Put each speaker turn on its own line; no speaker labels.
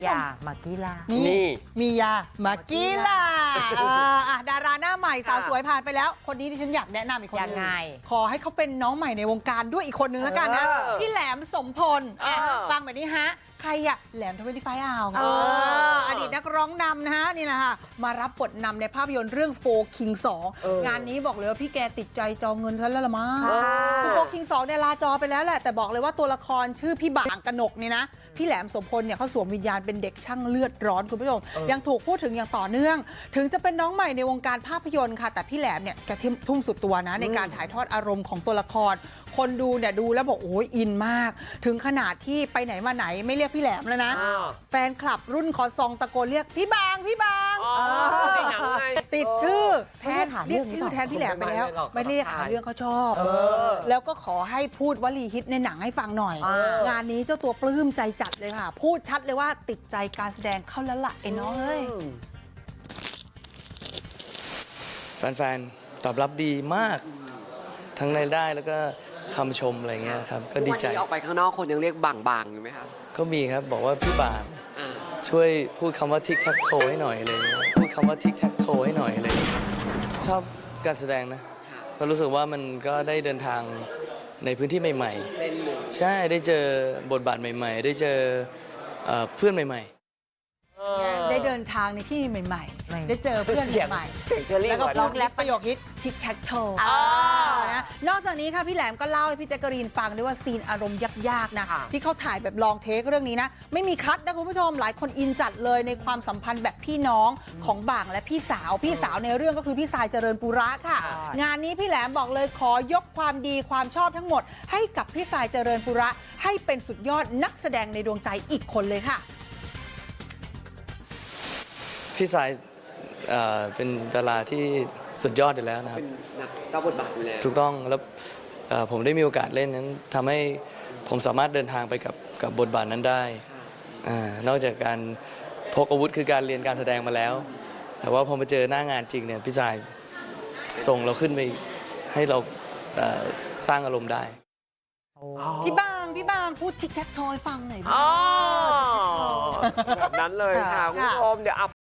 ยามากีลา
นี่มียามากีลาดาราหน้าใหม่สาวสวยผ่านไปแล้ว คนนี้ดิฉันอยากแนะนำอีกคนนึงขอให้เขาเป็นน้องใหม่ในวงการด้วยอีกคนนึงแล้วกันนะพี่แหลมสมพลฟังแบบนี้ฮะใครอะแหลม25อ่าวอดีตนักร้องนำนะฮะนี่แหละค่ะมารับบทนำในภาพยนตร์เรื่องโฟคิง2งานนี้บอกเลยว่าพี่แกติดใจจองเงินซะแล้วละมั้งคือโฟคิง2เนี่ยลาจอไปแล้วแหละแต่บอกเลยว่าตัวละครชื่อพี่บางกนกนี่นะพี่แหลมสมพลเนี่ยเขาสวมวิญญาณเป็นเด็กช่างเลือดร้อนคุณผู้ชมยังถูกพูดถึงอย่างต่อเนื่องถึงจะเป็นน้องใหม่ในวงการภาพยนตร์ค่ะแต่พี่แหลมเนี่ยแกทุ่มสุดตัวนะในการถ่ายทอดอารมณ์ของตัวละครคนดูเนี่ยดูแล้วบอกโอ้ยอินมากถึงขนาดที่ไปไหนมาไหนไม่เรียกพี่แหลมแล้วนะแฟนคลับรุ่นคอซองตะโกนเรียกพี่บางติดชื่อแทนเรียกชื่อแทนพี่แหลมไปแล้วไม่เรียกหาเรื่องเขาชอบแล้วก็ขอให้พูดวลีฮิตในหนังให้ฟังหน่อยงานนี้เจ้าตัวปลื้มใจจัดเลยค่ะพูดชัดเลยว่าติดใจการแสดงเข้าแล้วล่ะไอ้น้องเอ้ย
แฟนๆตอบรับดีมากทั้งในได้แล้วก็คำชมอะไรเงี้ยครับก็ดีใจ
วันนี้ออกไปข้างนอกคนยังเรียกบางอยู่ไหมครับ
ก็มีครับบอกว่าพี่บางช่วยพูดคำว่าทิกแท็กโทให้หน่อยเลยพูดคำว่าทิกแท็กโทให้หน่อยเลยชอบการแสดงนะเพราะรู้สึกว่ามันก็ได้เดินทางในพื้นที่ใหม่ๆใช่ได้เจอบทบาทใหม่ๆได้เจอเพื่อนใหม่ๆ
ได้เดินทางในที่ใหม่ๆได้เจอเพื่อนใหม่ๆแล้วก็พูดแรปประโยคฮิตทิกแท็กโชว์นะนอกจากนี้ค่ะพี่แหลมก็เล่าให้พี่แจ๊กกะรีนฟังด้วยว่าซีนอารมณ์ยากๆนะที่เขาถ่ายแบบลองเทคเรื่องนี้นะไม่มีคัทนะคุณผู้ชมหลายคนอินจัดเลยในความสัมพันธ์แบบพี่น้องของบางและพี่สาวในเรื่องก็คือพี่สายเจริญปุระค่ะงานนี้พี่แหลมบอกเลยขอยกความดีความชอบทั้งหมดให้กับพี่สายเจริญปุระให้เป็นสุดยอดนักแสดงในดวงใจอีกคนเลยค่ะ
พี่สายเป็นดาราที่สุดยอดอยู่แล้วนะครับ
เป็นเจ้าบทบาทอยู่แล้ว
ถูกต้องแล้วผมได้มีโอกาสเล่นนั้นทำให้ผมสามารถเดินทางไปกับบทบาทนั้นได้นอกจากการพกอาวุธคือการเรียนการแสดงมาแล้วแต่ว่าพอมาเจอหน้างานจริงเนี่ยพี่สายส่งเราขึ้นไปให้เราสร้างอารมณ์ได้
พี่บางพูดทิกแท็กโทยฟังหน่อย
แบบนั้นเลยค่ะคุณผู้ชมเดี๋ยว